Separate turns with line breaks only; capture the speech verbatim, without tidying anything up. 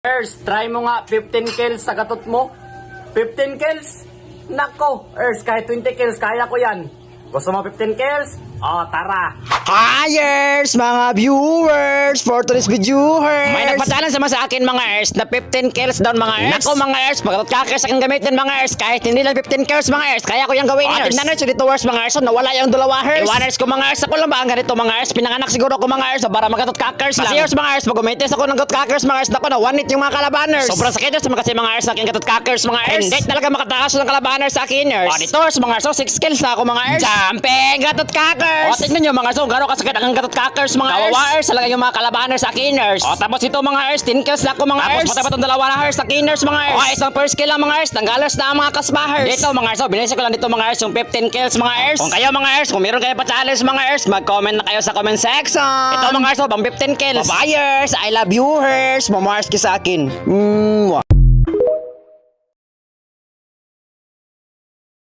Ers, try mo nga fifteen kills sa katot mo. fifteen kills? Nako, Ers, kahit twenty kills, kaya ko yan. Gusto mo fifteen kills? O, tara.
Hires, mga viewers, for today's video,
May nagpadalan sama sa akin mga ers na fifteen kills down mga ers. Nako mga ers, pagkatot kakers aking gamitin mga ers. Kahit hindi lang fifteen kills mga ers, kaya ko yung gawin
O,
ers.
tingnan
ers, dito ers mga ers, nawala yung dalawa ers. Iwan ers ko mga ers, ako lang ba ang ganito mga ers. Pinanganak siguro ko mga ers, para magkatot kakers lang. Kasi ers mga ers, pag umitis ako ng katot kakers mga ers, nako na one hit yung mga kalabaners. Sobrang sakit ers kasi mga ers, aking katot kakers mga ers. Hindi talaga makatakas ng kalabaners sa akin ers. O dito ers mga ers, so six kills na ako mga ers. Jumping katot kakers. O tignan nyo mga ers, so gano'ng kasakit ang katot kakers mga ers. Kawawa ers, talaga yung mga kalabaners sa akin ers. O tapos ito mga ers, ten kills na ako mga ers. Tapos patay pa itong dalawa na ers, sa kiners mga ers. O isang first kill lang mga ers, tanggalas na ang mga kasbahers. Dito mga ers, so binisip ko lang dito mga ers, yung fifteen kills mga ers. Kung kayo mga ers, kung meron kayo pa challenge mga ers, mag-comment na kayo sa comment section. Ito mga ers, so bang fifteen kills.
Bye, I love you, hers. Mamars ka sa akin. Mm,